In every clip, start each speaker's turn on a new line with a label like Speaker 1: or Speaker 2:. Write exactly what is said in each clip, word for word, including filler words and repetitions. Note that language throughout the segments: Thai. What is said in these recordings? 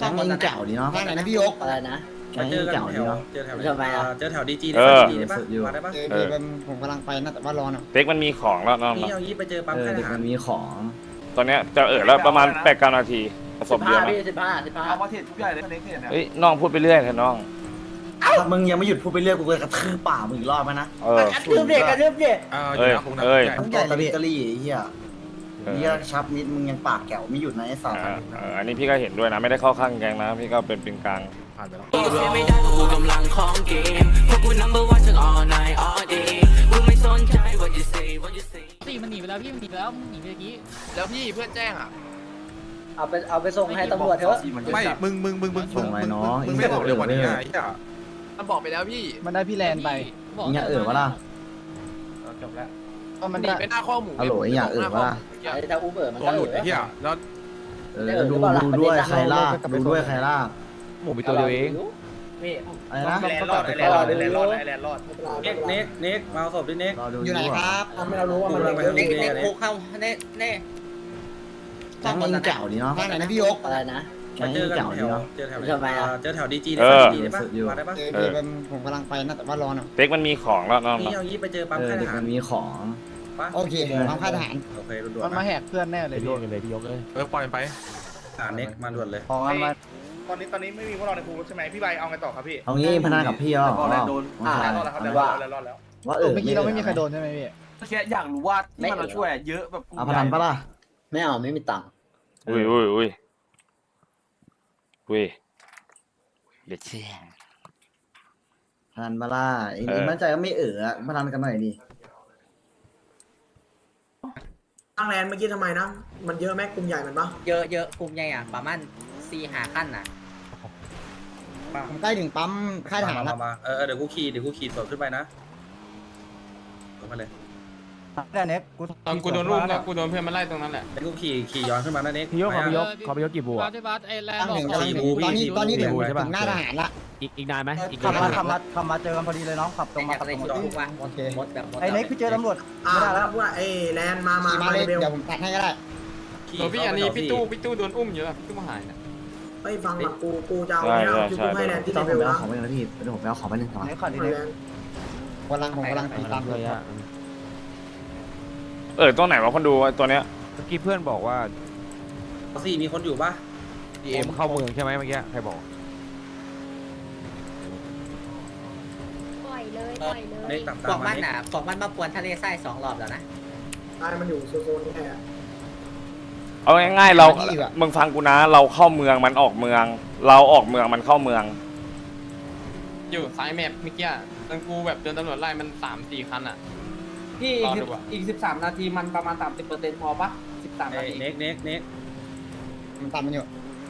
Speaker 1: แก๊งยิงเก่าดีเนาะ
Speaker 2: ทางไหนนะพี่ยก
Speaker 3: อะไรนะ
Speaker 1: แก๊งยิงเก่าดีเนาะ
Speaker 4: เจอแถว
Speaker 3: ทำไมอ่ะ
Speaker 4: เจอแถวดีจี
Speaker 5: เออ
Speaker 4: ดีได้ปะมาได้ปะ
Speaker 2: เออพี่ผมกำลังไปนะแต่ว่ารอหน่อย
Speaker 5: เต็กมันมีของแล้วน้อง
Speaker 4: นี่เอายี่ไปเจอปั๊ม
Speaker 1: เออ
Speaker 4: ค่ายท
Speaker 1: เด็ก
Speaker 4: หาร
Speaker 1: มันมีของ
Speaker 5: ตอนเนี้ยจะเออแล้วประมาณแปดเก้านาทีผส
Speaker 3: สิ
Speaker 5: ม
Speaker 3: บ
Speaker 5: เย
Speaker 3: ห้า
Speaker 5: อะไหม
Speaker 3: พี่สิบห้าสิบห้า
Speaker 6: เอามาเทรดทุกใหญ่เลยเน็กเทรดเนี่ย
Speaker 5: เฮ้ยน้องพูดไปเรื่อยเถอะน้อง
Speaker 1: ถ้ามึงยังไม่หยุดพูดไปเรื่อยกูจะกระทืบป่ามึงอีกรอบไหมนะ
Speaker 5: เออ
Speaker 3: กระทืบเด็กกระทืบเด็ก
Speaker 4: อ่า
Speaker 5: เอ้ยเอ้ย
Speaker 1: ต้องใหญ่เลยกะลี่ไอ้เหี้ย
Speaker 5: เออ
Speaker 1: เหี้ยชับนิดมึงยังปากแก้วไม่หยุดนะไอ้สัตว์
Speaker 5: อ่าเอออันนี้พี่ก็เห็นด้วยนะไม่ได้เข้าข้างแกงนะพี่ก็เป็นเป็นกลาง
Speaker 4: ผ่านไปแล้ว
Speaker 7: ไม่ได้กูกำลังของเกมพวกกู number one ทั้ง all night all day กูไม่สนใจ what you say what you say
Speaker 8: ตีมันหนีไปแล้วพี่มันหนีไปแล้วมันหนีไปเมื่อกี้
Speaker 6: แล้วพี่เพื่อนแจ้งอ่ะ
Speaker 3: เอาไปเอาไปส่งให้ตำรวจเถอะ
Speaker 4: ไม่ มึง มึง มึง มึง มึง มึงมึงไม่บอกเลยวันนี้ไอ้เหี้ย
Speaker 6: มันบอกไปแล้วพี่
Speaker 8: มันได้พี่แลนไป
Speaker 1: มึงอย่าเอ่อวะล่ะ
Speaker 6: จบแล้ว
Speaker 8: มัน
Speaker 6: หนีไปหน้าข้อหมู
Speaker 1: ฮัลโหลไอ้อย่าเอ่อวะล่ะ
Speaker 3: ไอ้ถ้าอูเบอร์มัน
Speaker 4: ตัว
Speaker 3: ก็
Speaker 4: หลุดไอ้เหี้ยแล้ว
Speaker 1: เออดูดูด้วยใครลากดูด้วยใครลาก
Speaker 3: หมูมีตัวเดียวเองพี่
Speaker 1: อะไรนะ
Speaker 6: แลนด์รอดแลนด์รอดแลนด์รอดแลนด์รอด
Speaker 4: เน็กเน็กเน็กมาเอาศพดิเน็ก
Speaker 1: รอดู
Speaker 2: อยู่ไหนครับ
Speaker 3: ทำให้เรารู้ว่ามัน
Speaker 4: กูกำลังไปทาง
Speaker 3: เด็ก
Speaker 4: โรงเรี
Speaker 3: เด็
Speaker 4: ย
Speaker 3: ก
Speaker 4: น
Speaker 3: คุกเข้าเน่เน่
Speaker 1: แก๊งยิงเก่าดีเนาะ
Speaker 2: ทางไหนนะพี่ยก
Speaker 3: อะไรนะ
Speaker 1: แก๊ง
Speaker 4: เจ
Speaker 1: ยิ
Speaker 4: อง กัน
Speaker 1: เก่า
Speaker 4: แถ
Speaker 1: ดี
Speaker 4: ว
Speaker 1: เนาะ
Speaker 4: เจอแถว
Speaker 3: ทำไมอ่ะ
Speaker 4: เจอแถวดีจี
Speaker 5: เออ
Speaker 4: ดีได้ปะ
Speaker 1: สุดอยู่
Speaker 4: มาได้ปะ
Speaker 2: เออพี่ผมกำลังไปนะแต่ว่ารอหน่อย
Speaker 5: เต็กมันมีของแล้วน้อง
Speaker 4: นี่เอายี่ไปเจอปั๊ม
Speaker 1: เออ
Speaker 4: ค่ายท
Speaker 1: เด็ก
Speaker 4: หาร
Speaker 1: มันมีของ
Speaker 4: ปะ
Speaker 2: โอเคทางค่ายทหาร
Speaker 4: โอเคด่วน
Speaker 8: มันมาแหกเพื่อนแน่เลยพี่
Speaker 4: เออปล่อยไปอ่าเน็กมาด่วนเลย
Speaker 1: ของมันมา
Speaker 6: ตอนนี้ตอนนี้ไม่มีพวกเราในภูใช่ไหมพี่ใบเอาไงต่อครับพี่
Speaker 1: เอางี้พนันกับพี่อ๋อ
Speaker 6: แลนด์โดน
Speaker 1: ว่า
Speaker 6: แลนด์รอดแล้วครับแลนด์รอดแล้วรอดแล้ว
Speaker 1: ว่าเออ
Speaker 8: เมื่อกี้เราไม่มีใครโดนใช่ไหมพี่
Speaker 6: แค่อยากรู้ว่าที่มันเราช่วยเยอะแบบ
Speaker 1: เอาพนันปะล่ะ
Speaker 3: ไม่เอาไม่มีตังค์
Speaker 5: อุ้ยอุ้ยอุ้ยอุ้ยเด็ดเชี่ย
Speaker 1: พนันปะล่ะไอ้มั่นใจก็ไม่เออพนันกันหน่อยดิ
Speaker 9: ตั้งแลนด์เมื่อกี้ทำไมนะ มันเยอะไหมกลุ่มใหญ่มันปะ
Speaker 3: เยอะเยอะกลุ่มใหญ่อ่ะประมาณสี่หาขั้นน่ะ
Speaker 2: ผมใกล้ถึงปั๊มค่ายทหาร
Speaker 4: มา
Speaker 2: แล้ว
Speaker 4: มาเออเดี๋ยวกูขี่เดี๋ยวกูขี่สวนขึ้นไปนะลงมาเลย
Speaker 8: แต่เน็กกู
Speaker 10: ตอนกูโดนรุมเนี่ยกูโดนเพื่อนมาไล่ตรงนั้นแหละ
Speaker 4: เดี๋ยวกูขี่ขี่ย้อนขึ้นมานะเน็ก
Speaker 8: พี่ยกขอพี่ยก
Speaker 4: มา
Speaker 8: ขอพี่ยกกี่บัวใช่ปะไอ้แลน
Speaker 2: ตั้ง
Speaker 8: ด์
Speaker 2: ถึง
Speaker 8: บอก
Speaker 2: กำลังถึงตอนนี้ตอนนี้ถึงถึงหน้าทหารละ
Speaker 8: อีกอีกนานไหม
Speaker 3: ขับมาขับมา
Speaker 8: ขับมาเจอกันพอดีเลยน้องขับตรงมาขับตรงมา
Speaker 3: ทุกวัน
Speaker 2: โอเค
Speaker 3: หมดแบบหมด
Speaker 8: ไอ้เน็กพี่เจอตำรวจ
Speaker 9: อ่าแล้วว่าไอ้แลนด์มา มา
Speaker 2: ขี่มา
Speaker 9: มา
Speaker 2: เล
Speaker 9: เลย ยเบล
Speaker 2: เดี๋ยวผมตัดให้ก็ได้
Speaker 4: ขี่
Speaker 10: ตัวพี่
Speaker 4: เข้า
Speaker 10: อัน
Speaker 4: ไป
Speaker 10: นี้
Speaker 4: ต่
Speaker 10: พี่ตู้พี่ตู้โดนอุ้มอยู่แล้วพี่ตู้มาหายนะ
Speaker 9: ไม่ฟังหลักกู กูจะเอาเนี่ยเอาคิวกูให้แลนด์ที่
Speaker 1: ต้
Speaker 9: เล
Speaker 1: อง
Speaker 9: เบ
Speaker 1: ผม
Speaker 9: ล
Speaker 1: ไปเอา
Speaker 9: นะ
Speaker 1: ของไปหนึ่งนะพี่เดี๋ยวผมไปเอาของไปหนึ่งก่อน
Speaker 8: เน็กขับดี
Speaker 9: แล
Speaker 8: เน็ก
Speaker 9: นด์
Speaker 2: กำลังผมกำลังตีตามเลย
Speaker 5: เออตรงไหนวะคนดูตัวเนี้ย
Speaker 8: เมื่อกี้เพื่อนบอกว่า
Speaker 4: สี่มีคนอยู่ปะ
Speaker 8: ดีเอ็มเข้าเมืองใช่ไหมเมื่อกี้ใครบอก
Speaker 11: ปล่อยเลยปล่อยเล
Speaker 4: เน็
Speaker 11: ย
Speaker 4: กตับ
Speaker 3: พ
Speaker 4: ตาว ม
Speaker 3: ก
Speaker 4: มา
Speaker 3: มัน
Speaker 4: เน็ก
Speaker 3: น่ะพวกมันมาปวนทะเลทรายสองรอบแล้วนะ
Speaker 9: ตายมันอยู่โซนนี้แค่
Speaker 5: เอาง่ายๆเรามึงฟังกูนะเราเข้าเมืองมันออกเมือง เราออกเมืองมันเข้าเมือง
Speaker 10: อยู่ซ้ายแมปเมื่อกี้ตอนกูแบบเดินตำรวจไล่มันสามสี่คันอ่ะ
Speaker 6: พี่
Speaker 10: รอดูอ่ะ
Speaker 6: อีกสิบสามนาทีมันประมาณสามสิบเปอร์เซ็นต์พอปะสิบสาม
Speaker 4: เอ้
Speaker 6: นาย ที
Speaker 4: เน็กเน็กเน็ก
Speaker 2: ผมตามมันอยู่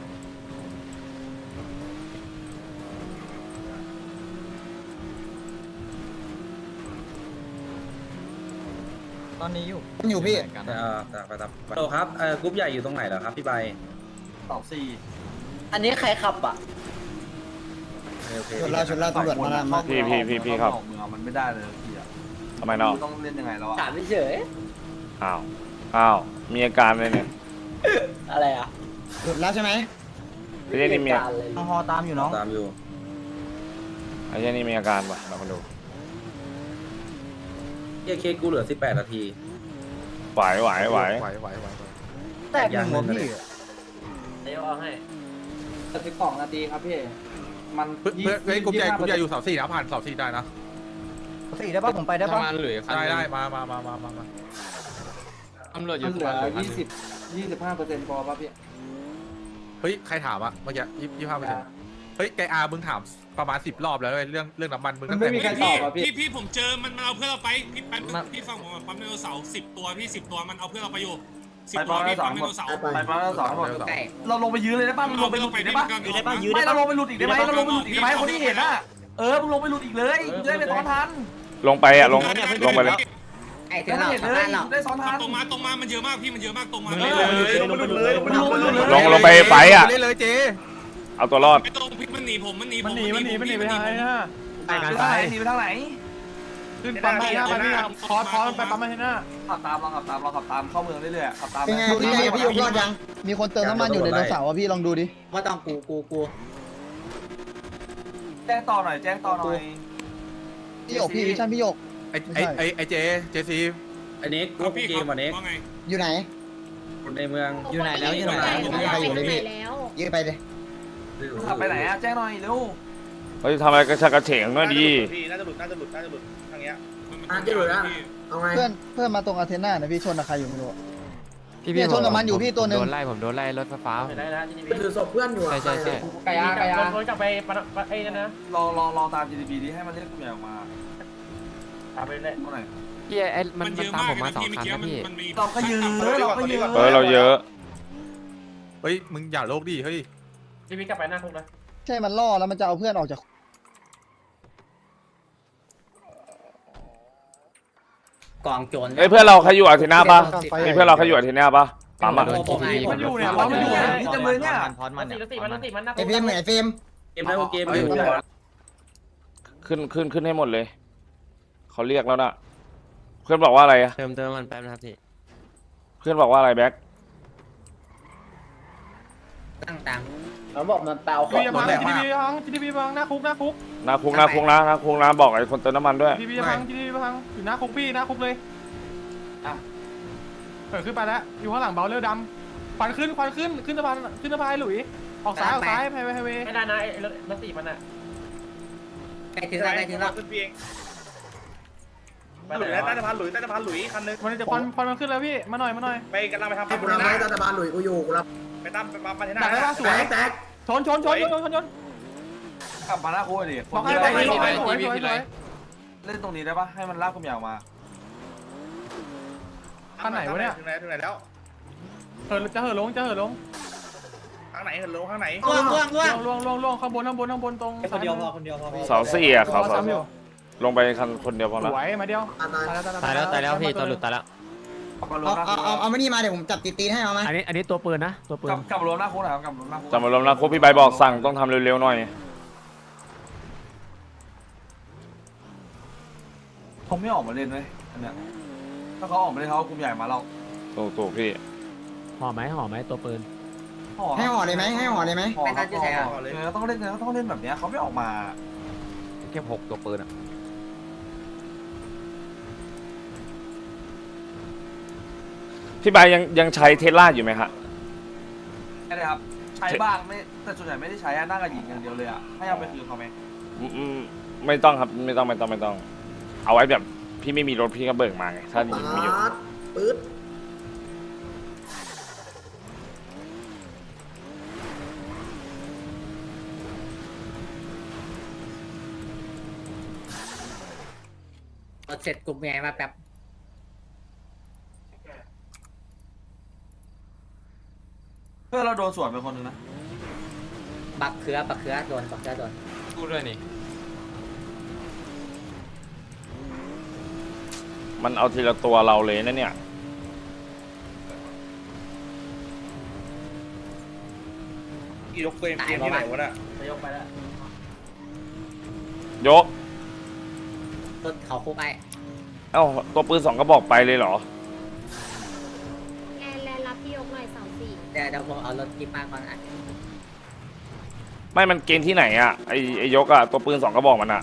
Speaker 2: ตอนนี้อยู่มันอยู่พี่
Speaker 4: เออตามไปตามโตครับเออกรุ๊ปใหญ่อยู่ตรงไหนเหรอครับพี่ใบ
Speaker 6: สองสี่
Speaker 3: อันนี้ใครขับอ่ะ
Speaker 4: โอเค
Speaker 2: ชนแล้วชนแล้วตำรวจมาแล้วมา
Speaker 5: พี่พี่พี่พี่ครับ
Speaker 6: เมืองมันไม่ได้เลยพี่อะ
Speaker 5: ทำไมน้อง
Speaker 6: ต้องเล่นยังไงแล้วอะ
Speaker 3: ถามเฉย
Speaker 5: อ้าวอ้าวมีอาการเลยเนี่ย
Speaker 3: อะไรอ่ะ
Speaker 2: หลุดแล้วใช่ไหม
Speaker 5: ไอ้เจ้นี่มี
Speaker 3: การเลย
Speaker 8: ฮอตามอยู่น้อง
Speaker 4: ตามอยู่
Speaker 5: ไอ้เจ้นี่มีอาการป่ะเรามาดู
Speaker 4: เฮ้ยเคกูเหลือสิบแปดนาที
Speaker 5: ไหวไหวไหว
Speaker 4: ไหวไหวไหว
Speaker 8: แตกหนึ่งหัวพี่
Speaker 3: เดี๋ยวเอาให้
Speaker 6: สิบสองนาทีครับพี่มัน
Speaker 4: เพื่อนเฮ้ยกรุ๊ปใหญ่กรุ๊ปใหญ่อยู่เสาสี่นะผ่านเสาสี่ได้นะ
Speaker 8: สี่ได้ป่ะผมไปได้
Speaker 10: ป
Speaker 8: ป่ะ
Speaker 10: ระมาณเหลือคัน
Speaker 4: ได้ได้มามามามามา
Speaker 10: ตำรวจอ
Speaker 6: มั
Speaker 10: ยู่
Speaker 6: นเหลื
Speaker 10: ประ
Speaker 6: อ
Speaker 10: มาณเหลือคัน
Speaker 6: ยี่สิบยี่สิบห้าเปอร์เซ็นต์พอปะพี่
Speaker 4: เฮ้ยใครถามอะเมื่อกี้ยี่ยี่ห้าเปอร์เซ็นต์เฮ้ยไกอามึงถามประมาณสิบรอบแล้วเว้ยเรื่องเรื่องน้ำมันมึง
Speaker 6: มัน
Speaker 4: ตั้ง
Speaker 6: ไม่
Speaker 4: แต่
Speaker 6: มีใครตอบอ่ะพี่
Speaker 10: พี่พี่ผมเจอมันมันเอาเพื่อนเราไปพี่ปั๊มพี่ฟังผมปั๊มไดโนเสาร์สิบตัวพี่สิบตัวมันเอาเพื่อนเราไปอยู่สิบตัวพี่ปั๊มไดโนเสาร์
Speaker 6: ไปปั๊มแล้วสองหมด
Speaker 3: ใกล้
Speaker 6: เราลงไปยื้อเลยได้ป่ะมึงลงไปหลุดอีกได้ป่ะไม่เราลงไปหลุดอีกได้ไหมเราลงไปหลุดอีกได้ไหมคนที่เห็นอ่ะเออมึงลงไปหลุดอีกเลยจะได้ไปซ้อนทัน
Speaker 5: ลงไปอ่ะลงลงไปเลย
Speaker 3: ไอ้ถึง
Speaker 6: ถ้า
Speaker 3: เรา
Speaker 6: เห็น
Speaker 3: สา
Speaker 6: เล
Speaker 3: มาย รถเรา
Speaker 6: ได้ซ้อนทัน
Speaker 10: ตรงมาตรงมามันเยอะมากพี่มันเยอะมากตรงมา
Speaker 6: ลงไปหลุดเลยลงไปหลุดเลย
Speaker 5: ลงลงไปไฟอ่ะ
Speaker 4: เล่นเลยเจ
Speaker 5: เอาตัวรอด
Speaker 10: ไอ้ตรงพี่มันหนีผมมันหนีผม
Speaker 8: มันหนีมันหนีมันหนีไปทางไหนนะ
Speaker 6: ไปทางไหนหนีไปทางไหน
Speaker 4: ม
Speaker 6: ขึ้นปั๊มมาให้หน้าไปพี่คอร์สคอร์สไปปั๊มมาให้หน้าขับตามเราขับตามเราขับตามเข้าเมืองเรื่อยๆขับตาม
Speaker 2: เป็นไงพี่พี่ยกรอดยังมีคนเติมน้ำมันอยู่ในรถเสาร์พี่ลองดูดิ
Speaker 3: ว่าต้องกูกูกู
Speaker 6: แจ้งต่อหน่อยแจ้งต่อหน่อย
Speaker 2: พี่หยกพี่วิชั่นพี่หยก
Speaker 4: ไอไอไอไอเจเจซี
Speaker 3: อันนี้กู
Speaker 10: พี่
Speaker 3: เกมวันนี้
Speaker 10: ว่าไง
Speaker 2: อยู่ไหน
Speaker 3: ในเมืองอยู่ไหนแล้วอยู่ไหน
Speaker 11: ไปอยู่ไหนแล้ว
Speaker 2: ยืดไปเลย
Speaker 6: ขับไปไหนอะแจ้งหน่อยเร็ว
Speaker 5: เฮ้ยทำอะไรกระชากกระเฉงหน่อยดี
Speaker 9: น่าจะหลุดน่าจะหลุดน่าจะหลุดทางเนี้ย
Speaker 10: อ่ะจะหลุดแล้วเอาไง
Speaker 2: เพื่อนเพื่อนมาตรงอาเทน่านะพี่ชนกับใครอยู่ไม่รู้พี่พี่ชนกับมันอยู่พี่ตัวหนึ่ง
Speaker 8: โดนไล่ผมโดนไล่รถไฟฟ้า
Speaker 3: ได้แล้วที่นี่
Speaker 9: ถือศพเพื่อนอยู่
Speaker 8: ใช่ใช่ใช่
Speaker 3: ไก่ยาไก่ยา
Speaker 6: โดนจับไปไอ้นั่นนะรอรอรอตาม จี ดี พี นี้ให้มันเรียกกลุ่มใหญ่ออกมาตามไปเรื่อยเมื่อไหร่
Speaker 8: พี่ไอ้มัน
Speaker 10: มันเย
Speaker 8: มัน
Speaker 10: อะ
Speaker 8: ตาม
Speaker 10: มาก
Speaker 8: ผม
Speaker 10: เลย
Speaker 8: มา
Speaker 10: นะ
Speaker 8: สอง
Speaker 10: พี่เมื่อ
Speaker 8: คัน
Speaker 10: กี้
Speaker 8: นะ
Speaker 10: มัน
Speaker 8: พี่
Speaker 10: มันมี
Speaker 6: เราก็ยืนเราก็ยืน
Speaker 5: เออเราเยอะ
Speaker 4: เฮ้ยมึงอย่าโลกดิเฮ้ย
Speaker 6: จีพีกลับไปหน้าคุกนะ
Speaker 2: ใช่มันล่อแล้วมันจะเอาเพื่อนออกจาก
Speaker 3: กองโจร
Speaker 5: เอ้ยเพื่อนเราใครอยู่อาเทน่าปะมีเพื่อนเราใครอยู่อาเทน่าปะปั๊มอะ
Speaker 6: มันอยู่เนี่ยมันอยู่เนี่ยนี่จะเลยเนี่ย
Speaker 8: พอดมันเนี่ย
Speaker 2: ไอเฟรมเหมือนไอเฟรม
Speaker 3: เกมแล้วเกม
Speaker 5: ขึ้นขึ้นขึ้นให้หมดเลยเขาเรียกแล้วนะเพื่อนบอกว่าอะไรอะ
Speaker 8: เติมเติมมันแป๊บนะครับพี่
Speaker 5: เพื่อนบอกว่าอะไรแบ็ค
Speaker 3: ตั้งตังเขาบอกมันเปล่าของ
Speaker 6: จี
Speaker 3: หมดแล้ว
Speaker 6: ดีพีพังจีดีพีพังหน้าคุกหน้าคุก
Speaker 5: หนาคุกหนาคุกนะหนาคุกนะบอกไอ้คนเติมน้ำมันด้วย
Speaker 6: จีดีพีพังจีดีพีพังอยู่หน้าคุกพี่หน้าคุกเลยอ่ะเปิดขึ้นไปแล้วอยู่ข้างหลังเบลเลอร์ดำควันขึ้นควันขึ้นขึ้นสะพานขึ้นสะพานหลุยออกซ้ายออกซ้ายไฮเวย์ไฮเวย์ไม่ได้นะไอ้รถสี่มันอ่ะ
Speaker 3: ใกล้ถึงแล้วใกล้ถึงแล้ว
Speaker 9: ขึ้นเพียงหลุยแล้วใต้สะพานหลุยใต้สะพานหลุยคันนึง
Speaker 6: มันจะควันควันมันขึ้นแล้วพี่มาหน่อยมาหน่อย
Speaker 9: ไปกำลังไปทำ
Speaker 10: ให้กูรับไว้รัฐบาลหลุยกูอยู่กูรับ
Speaker 9: ไปตามไปปั๊มมาที่หน้า
Speaker 6: ดักได้ป่ะสวย
Speaker 10: แตก
Speaker 6: ชนชนชนชนชนชนกลับมาหน้าคุกดิบอกให้ไปสวยสวยสวยเล่นตรงนี้ได้ปะให้มันลากกลุ่มใหญ่ออกมาข้างไหนวะเนี่ย
Speaker 9: ถึงไหนถึงไหนแล้ว
Speaker 6: เหินจะเหินลงจะเหินลง
Speaker 9: ข้างไหนเห็นลงข้างไหน
Speaker 3: ล่วงล่วงล่วง
Speaker 6: ล่วงล่วงล่วงข้างบนข้างบนข้างบนตรง
Speaker 3: คนเดียวพอคนเดียวพอ
Speaker 5: เสาสี่อะเขา
Speaker 6: เขา
Speaker 5: เสา
Speaker 6: ซ้ำอยู่
Speaker 5: ลงไปคันคนเดียวพอ
Speaker 6: ส
Speaker 5: ละ
Speaker 6: วยมาเดียว
Speaker 8: ตายแล้วตายแล้วพี่ตัวหลุดตายแล้ว
Speaker 2: เอาเอาเอาเอาไม่นี่มาเดี๋ยวผมจับตีตีให้เอาไหม
Speaker 8: อันนี้อันนี้ตัวปืนนะตัวปืน
Speaker 6: กลับกลับรวมหน้าคุกหน่อยกลับรวมหน้าคุก
Speaker 5: จำมารวมนะครบพี่ใบบอกสั่งต้องทำเร็วๆหน่อย
Speaker 6: ผมไม่ออกมาเล่นเลยอันเนี้ยถ้าเขาออกมาเล่นเขากลุ่มใหญ่มาเรา
Speaker 5: ถูกถูกพี่
Speaker 8: ห่อไหมห่อไหมตัวปืน
Speaker 2: ให้ห่อเลยไหมให้ห่อเลยไหม
Speaker 6: ห่อครับห่อเลยต้องเล่นต้องเล่นแบบนี้เขาไม่ออกมา
Speaker 8: แค่หกตัวปืนอ่ะ
Speaker 5: พี่ใบยังยังใช้เทสลาอยู่ไหมฮะ
Speaker 6: ใช่เลยครับใช้บ้างไม่แต่ส่วนใหญ่ไม่ได้ใช้อะนั่งกับหญิงอย่างเดียวเลยอะให้เอาไปคืนเขาไหม
Speaker 5: อืมอืมไม่ต้องครับไม่ต้องไม่ต้องไม่ต้อง เอาไว้แบบพี่ไม่มีรถพี่ก็เบิกมาไงถ้าหญิงมีอยู่
Speaker 10: ปื๊ด
Speaker 3: เสร็จกลุ่มใหญ่มาแบบ
Speaker 6: เพื่อนเราโดนสวนไปคนนึงนะ
Speaker 3: บักเขือบักเขือโดนบักเขือโดน
Speaker 8: พูดด้วยนี่
Speaker 5: มันเอาทีละตัวเราเลยนะเนี่ย
Speaker 9: ยกเกมเกมที่ไหนวะน่ะ
Speaker 6: จะยกไปแล้ว
Speaker 5: ยก
Speaker 3: รถเขาคุกไอ้
Speaker 5: เอ้าตัวปืนสองกระบอกไปเลยเหรอ
Speaker 11: แลนแลนรับพี่ยกหน่อยเสาสี่
Speaker 3: เดี๋ยวเดี๋ยวผมเอารถกิ๊บมาก่อนอ่ะ
Speaker 5: ไม่มันเกณฑ์ที่ไหนอะไอไอยกอะตัวปืนสองกระบอกมันอะ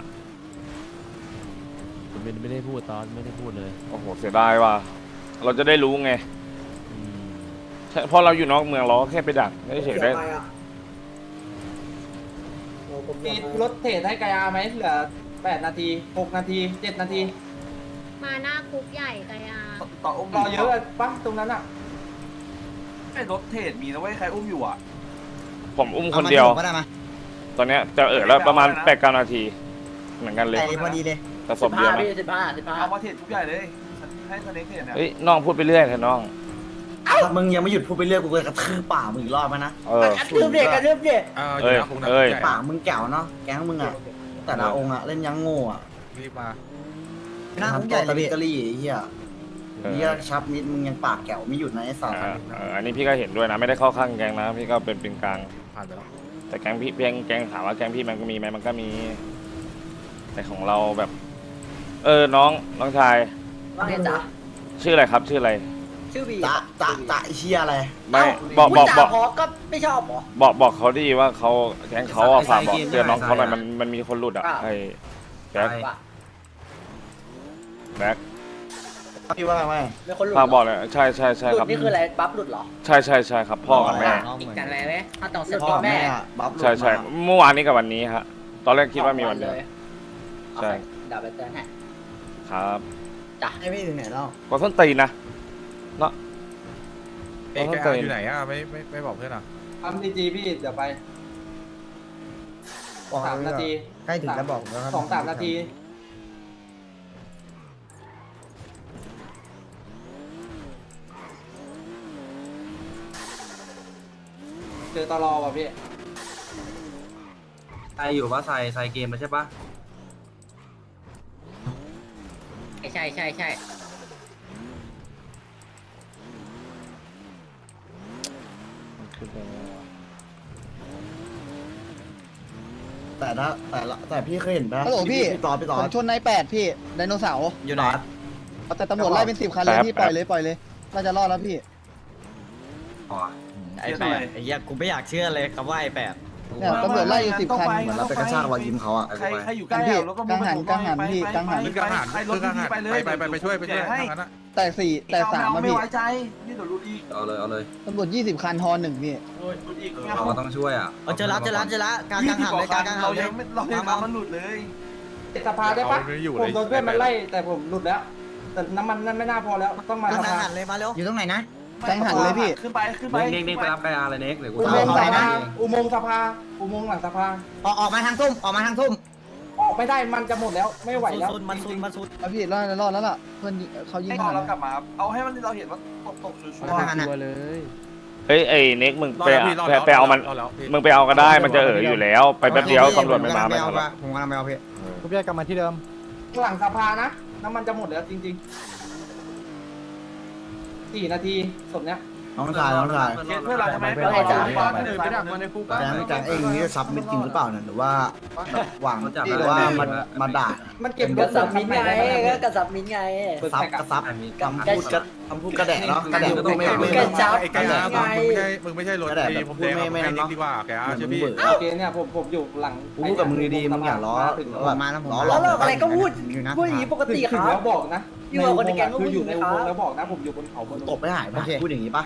Speaker 8: ผมไม่ไม่ได้พูดตอนไม่ได้พูดเลย
Speaker 5: โอ้โหเสียดายว่ะเราจะได้รู้ไงใช่เพราะเราอยู่นอกเมืองเราก็แค่ไปดักเฉยๆได้
Speaker 3: มีรถเทรดให้กายาไหมเหลือแปดนาทีหกนาทีเจ็ดนาที
Speaker 11: มาหน้าคุกใหญ่กายา
Speaker 6: ต่ออุ้มรอเยอะปะตรงนั้นอะไอ้รถเทรดมีนะเว้ยใครอุ้มอยู่อะ
Speaker 5: ผมอุ้มคนเดียว
Speaker 2: ก็ได้มา
Speaker 5: ตอนเนี้ยจะเออแล้วประมาณแปดเก้านาที เหมือนกันเลย
Speaker 2: แต่พอดีเลย
Speaker 5: แต่ศพเดียวนะ
Speaker 3: สิบห้าสิบห้า
Speaker 6: เอามาเทรดทุกใหญ่เลยให้สเน็กเทรดเนี่ย
Speaker 5: เฮ้ยน้องพูดไปเรื่อยเถอะน้อง
Speaker 1: ถ้ามึงยังไม่หยุดพูดไปเรื่อยกูจะกระทืบป่ามึงอีกรอบไหมนะ
Speaker 5: เออ
Speaker 3: กระทืบเด็กกระทืบเด็ก
Speaker 4: เอออยู่นะคงนะ
Speaker 5: เอ้ย
Speaker 4: ใหญ่
Speaker 1: ป่ามึงแก่วเนาะแก๊งมึงอะแต่ละองค์อะเล่นยังโง่อะ
Speaker 4: รีบมา
Speaker 2: หน้าคุกใหญ่เลยพี่
Speaker 1: ตะลี่ไอ้เหี้ย
Speaker 5: เออ
Speaker 1: เหี้ยชับมิดมึงยังปากแก่วไม่หยุดนะไอ้สัตว์
Speaker 5: เออเอออันนี้พี่ก็เห็นด้วยนะ ไม่ได้เข้าข้างแกงนะ พี่ก็เป็นเป็นกลาง
Speaker 4: ผ่านไปแล้ว
Speaker 5: แต่แกงพี่แกงแกงถามว่าแกงพี่มันก็มีไหมมันก็มี แต่ของเราแบบเออน้องน้องชาย
Speaker 3: ว่าไงจ๊ะ
Speaker 5: ชื่ออะไรครับชื่ออะไร
Speaker 3: ชื่อบี
Speaker 1: จะจะจะไอ้เชียอะไร
Speaker 5: ไม่บอกบอกบอก
Speaker 3: พอก็ไม่ชอบหรอ
Speaker 5: บอกบอกเขาดีว่าเขาแก๊งเขาอะฝากบอกเตือนน้องเขาหน่อยมันมันมีคนหลุดอ่ะไอ้แบ็คแบ็ค
Speaker 1: พี่ว่าไง
Speaker 3: ไม่คนหลุด
Speaker 5: ฝากบอกเลยใช่ใช่ใช่
Speaker 3: หลุ
Speaker 5: ครั
Speaker 3: ด
Speaker 5: บ
Speaker 3: นี่คืออะไรบัฟหลุดเหรอ
Speaker 5: ใช่ใช่ใช่ครับพ่อกับแม่
Speaker 3: อีกกันอะไรไหมถ้าต้องเสร็จ
Speaker 1: พ่อ
Speaker 3: แม่
Speaker 1: แม่อะบัฟ
Speaker 5: ใช่ใช่เมื่อวานนี้กับวันนี้ฮะตอนแรกคิดว่ามีวันเดียวใช่
Speaker 3: เดี๋ยวไปเตือนให้
Speaker 5: ครับ
Speaker 3: จ้ะ
Speaker 1: ให้พี่ถึงไหนแล้ว
Speaker 5: ก็ส้นตีนนะเนาะ
Speaker 4: เอ้ยแกอาอยู่ไหนอ่ะไม่ไม่ไม่บอกเพื่อนอ่ะ
Speaker 3: ทำดีจีพี่เดี๋ยวไปสามนาที
Speaker 1: ใกล้ถึงแล้วบอกแล้วครับ
Speaker 3: สองสามนาที เจอตลอว่ะพี่
Speaker 9: ใส่อยู่ว่าใส่ใส่เกมแล้วใช่ปะ
Speaker 3: ใช่ใช่ใช่
Speaker 1: แต่ถ้าแต่ละแต่พี่เคยเห็นปะ
Speaker 2: ฮัลโหลพี่
Speaker 1: พี่ต่อพี่ต่อ
Speaker 2: ผมชนนายแปดพี่ไดโนเสาร์
Speaker 1: อยู่ไหน
Speaker 2: แต่ตำรวจไล่เป็นสิบคันเลยพี่ปล่อยเลยปล่อยเลยน่าจะรอดแล้วพี่
Speaker 9: ไอ้แปด
Speaker 1: ไอ้เหี้ยกูไม่อยากเชื่อเลยคำว่าไอ้แปด
Speaker 2: เนี่ยตำรวจไล่อยู่สิบคัน
Speaker 1: เหมือนเราไปกระชากรอยยิ้มเขาอะ
Speaker 9: ใครใครอยู่ใกล้
Speaker 2: พี่
Speaker 9: แล้วก็
Speaker 2: กังหันกังหันพี่กังหัน
Speaker 4: คือกระหันคือกระหันไปไปไปไปช่วยไปช่วยทางนั้นอ่ะ
Speaker 2: แต่สี่แต่สามมาพี่
Speaker 9: ไม่ไว้ใจนี่เดี๋ยวรู้อีกเอาเลยเอาเลย
Speaker 2: ตำรวจยี่สิบคันฮอหนึ่งพี่
Speaker 9: รู้อีก
Speaker 1: เราต้องช่วยอ่ะเจอแล้วเจอแล้วเจอแล้วกลางกลางหันเลยกลางกลางหั
Speaker 9: เรา
Speaker 1: นเลย
Speaker 9: ยังไม่เรายังทำมันหลุดเลย
Speaker 3: สภาได้ปะผมโดนเพื่อนมันไล่แต่ผมหลุดแล้ว แต่น้ำมันนั่นไม่น่าพอแล้วต้องมาสภา
Speaker 1: อยู่ตรงไหนนะ
Speaker 2: กังหันเลยพี่
Speaker 9: ขึ้นไปขึ้นไป
Speaker 1: เน็กเน็กไปรับไกอาร์เลยเน็กเดี๋ยวกู
Speaker 3: อุโมงค์สภาอุโมงค์สภาอุโมงค์หลังสภา
Speaker 1: ออกออกมาทางทุ่มออกมาทางทุ่ม
Speaker 3: ออกไม่ได้มันจะหมดแล้วไม่ไหวแล้ว
Speaker 1: มันซุนมันซุน
Speaker 2: เอาพี่รอดรอดแล้วล่ะเพื่อนเขายิง
Speaker 9: ให้
Speaker 2: หัน
Speaker 9: เรากลับมาเอาให้มันเราเห็นว่าตกตกชัวร์
Speaker 2: ตัวเลย
Speaker 5: เฮ้ยไอ้เน็กมึง
Speaker 4: รอ
Speaker 5: ไป
Speaker 4: แล้วพี่รอ
Speaker 5: ไป
Speaker 4: แล้ว
Speaker 5: ไปเอามัน
Speaker 4: รอแล้วพี่
Speaker 5: มึงไปเอาก็ได้มันจะเอ๋ออยู่แล้ว ไปแป๊บเดียวตำรวจไม่มาไม่ทันหรอก
Speaker 1: ผมกำลังไปเอาพี่
Speaker 2: ทุกอย่างกลับมาที่เดิม
Speaker 3: หลังสภานะน้ำมันจะหมดแล้วจริงๆสี่นาทีศพเนี้ย
Speaker 1: น้องชายน้องชาย
Speaker 9: เพื่อนเราใช่ไหม
Speaker 3: เพื่อนเราจ๋า
Speaker 6: ไปดักมาในคุก
Speaker 1: แกงแกงเองนี่ซับมิดจริงหรือเปล่าเนี่ยหรือว่าหวังหรือว่ามันมาด่า
Speaker 3: มันเก็บกระสับมินไงก็กระสับมินไง
Speaker 1: ซับกระซับคำพูดกระคำพูดกระแดะเนาะกระแดะก็ไม่ไม่
Speaker 3: กระจับ
Speaker 4: ไอ้แกอามึงไม่ใช่มึงไม่ใช่รถดีผมแดงไม่นิกดีกว่าแกอาเชื่อพี่
Speaker 3: โอเคเนี่ยผมผมอยู่หลัง
Speaker 1: กูพูดกับมึงดีๆมึงอย่าล้อ
Speaker 3: ถึง
Speaker 1: แบบมาแล้วล้อ
Speaker 3: ล้อเลิกอะไรก็พูด
Speaker 1: อยู่นะ
Speaker 3: พูดอย่างนี้ปกติครับแล้วบอกนะอยู่กับคนในแก๊งก็คืออยู่ในอุโมงค์แล้วบอกนะผมอยู่บนเขาบน
Speaker 1: ตบไม่หายปะพูดอย่างนี้ปะ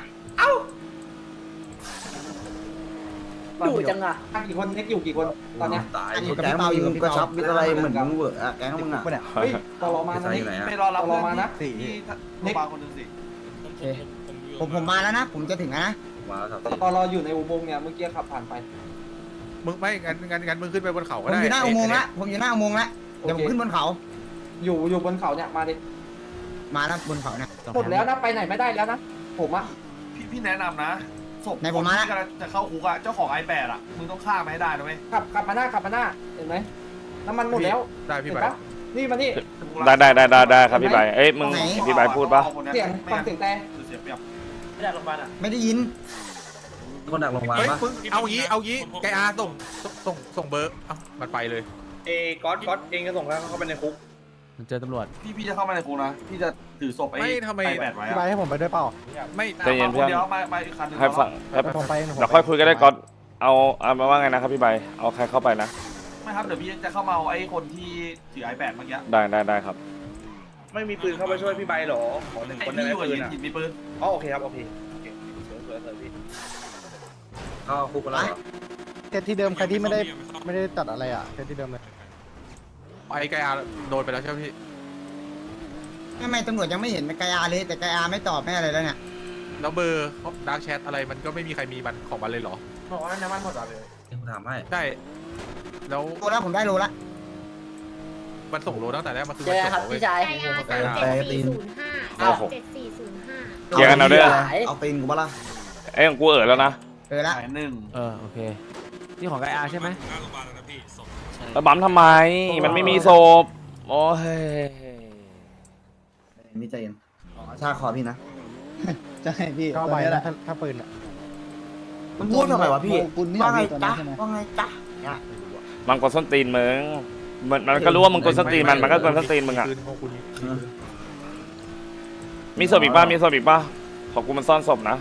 Speaker 3: อยู่จังอ่ะกี่คนเน็กอยู่กี่คนตอนเนี้ย
Speaker 1: แกงมึงก็ซับมิดอะไรเหมือนมึงเวอร์อะแกงมึงอะ
Speaker 3: เฮ้ยตลอมานะนี่
Speaker 9: ไปรอรับ
Speaker 3: ตลอมานะ
Speaker 9: ที่โรงพยาบาลคนหนึ่งสิ
Speaker 1: ผมผมมาแล้วนะ ผมจะถึงแล้วนะ
Speaker 3: ตลออยู่ในอุโมงค์เนี่ยเมื่อกี้ขับผ่านไป
Speaker 4: มึงไม่งั้นงั้นงั้นมึงขึ้นไปบนเขา
Speaker 1: ผ
Speaker 4: ก็
Speaker 1: ม
Speaker 4: ได้
Speaker 1: อยู่หน้าอุโมงค์ละผมอยู่หน้าอุโมงค์ละเดี๋ยวผมขึ้นบนเขา
Speaker 3: อยู่อยู่บนเขาเนี่ยมาดิ
Speaker 1: มาแล้วบนเขาเนี่ย
Speaker 3: หมดแล้วนะไปไหนไม่ได้แล้วนะผมอ่ะ
Speaker 9: พี่พี่แนะนำนะศพ
Speaker 1: ไหนผมมาละ
Speaker 9: ที่กำลังจะเข้าคุกอะเจ้าของไอแปดอะมึงต้องฆ่ามาให้ได้นะเว้ย
Speaker 3: ขับขับมาหน้าขับมาหน้าเห็นไหมน้ำมันหมดแล้ว
Speaker 4: ได้พี่
Speaker 3: เห็น
Speaker 4: ไป
Speaker 3: ปะนี่มานี่
Speaker 5: ได้ได้ได้ได้ได้ครับพี่ใบเอ้ยมึงพี่ใบพูดปะ
Speaker 3: เสียงฟังเสียงแต่
Speaker 9: เสียเปรียบ
Speaker 3: ไม่ได้โรงพยาบาลอ่ะ
Speaker 1: ไม่ได้ยิน
Speaker 9: คนดักลงมา
Speaker 4: เฮ้ยมึงเอางี้เอางี้แกอาส่งส่งส่งเบอร์เอ้ามันไปเลย
Speaker 9: เอก๊อตก๊อตเองก็ส่งแล้วเข้าไปในคุก
Speaker 8: มันเจอตำรวจ
Speaker 9: พี่พี่จะเข้ามาในคุกนะพี่จะถือศพไอ้
Speaker 4: ไม่ทำไม
Speaker 9: ไอแปดไว้
Speaker 2: พี่ไป
Speaker 9: อะ
Speaker 2: ให้ผมไปด้วยเปล่า
Speaker 4: ไม่
Speaker 5: ใจเย็นเพื่อน
Speaker 9: เดี๋ยวมามาอีกคันหนึง
Speaker 5: ให้ฟังให้
Speaker 2: ผมไปผม
Speaker 5: เดี๋ยวค่อยคุยกันได้ก่อนเอาเอามาว่าไงนะครับพี่ใบเอาใครเข้าไปนะ
Speaker 9: ไม่ครับเดี๋ยวพี่จะเข้ามาเอาไอ้คนที่ถือไอแปดเมื่อกี้
Speaker 5: ได้ได้ได้ครับ
Speaker 9: ไม่มีปืนเข้าไปช่วยพี่ใบหรอขอหนึ่งคนได้ไหมปืนอ่ะมีปืนอ๋อโอเคครับโอเคโอเคสวยสวยสวยพี่เข้าคุกไปแล้วเหรอ
Speaker 2: เซตที่เดิมใครที่ไม่ได้ไม่ได้ตัดอะไรอ่ะเซตที่เดิมเลย
Speaker 4: ไอ้แกอาโดนไปแล้วใช่ไหมพี่
Speaker 1: ทำไมตำรวจยังไม่เห็นไกอาเลยแต่ไกอาไม่ตอบไม่อะไรแล้วเนี่ย
Speaker 4: แล้วเบอร์ดาร์กแชทอะไรมันก็ไม่มีใครมีมันของมันเลยเหรอ
Speaker 3: บอกว่าน้ำมันหมดเลย
Speaker 9: ผมถามให้
Speaker 4: ใช่แล้ว
Speaker 1: โลแล้วผมได้โลละ
Speaker 4: มันส่งโลตั้งแต่แรกมันคือ
Speaker 3: เจ
Speaker 4: มัน
Speaker 3: อครับ
Speaker 4: ส่งเว้
Speaker 3: พี่
Speaker 4: ย
Speaker 3: ชาย
Speaker 11: ไกอาสามเจ็ดสี่ศูนย์ห้า
Speaker 5: โอ้โห
Speaker 11: เจ็ดสี่ศูนย์ห้า
Speaker 5: เคลียร์กันเอาด้วย
Speaker 1: เอาตีนกูปะล่ะ
Speaker 5: เอ้ยของกูเอ๋อแล้วนะ
Speaker 1: เออละ
Speaker 9: สายหนึ่ง
Speaker 8: เออโอเคนี่ของไกอาใช่ไหม
Speaker 10: หน้าโรงพยาบาลแล้วนะพี่ศพ
Speaker 5: แล้วบั๊มทำไมมันไม่มีศพโอ้ย
Speaker 1: มีใจเย็นชาคอพี่นะ
Speaker 2: จะให้พี่ก็ไปแล้วถ้าปืนอ่ะ
Speaker 1: มันพูดทำไมวะพี่
Speaker 2: ปืนนี่
Speaker 1: ว่าไง
Speaker 2: ตอน
Speaker 1: จ๊ะ
Speaker 2: นั้นใช่ไหม
Speaker 1: ว่าไงจ๊ะ
Speaker 5: มันกดส้นตีนมึง
Speaker 1: ม
Speaker 5: มันมันก็รู้ว่ามึงกดสตรีนมันมันก็กดสตรีนมึงอ่ะ
Speaker 4: ปืนของคุณมีปืน
Speaker 5: มีศพอีกป่ะมีศพอีกป่ะของกูมันซ่อนศพนะ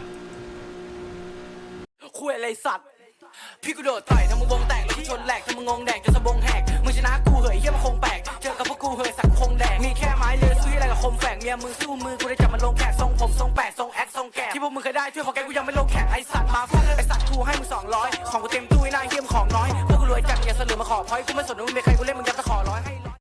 Speaker 7: คุยอะไรสัตว์พี่กูโดดต่อยทำมึงวงแตกแล้วกูชนแหลกทำมึงงงแดกจนสะบงแหกมึงชนะกูเหยเฮียมันคงแปลกเจอกับพวกกูเหยสักคงแดกมีแค่ไม้เลือสู้อะไรกับคมแฝกเมียมึงสู้มือกูได้จับมันลงแขกทรงผมทรงแปดทรงแอคทรงแกะที่พวกมึงเคยได้ช่วยพอแกกูยังไม่ลงแขกไอสัตว์มาฟาดไอสัตว์กูให้มึงสองร้อยของกูเต็มตู้ไอ้นายเฮียมของน้อยพวกกูรวยจัดอย่าเสลือมาขอพอยกูไม่สนว่ามึงเป็นใครกูเล่นมึงยัด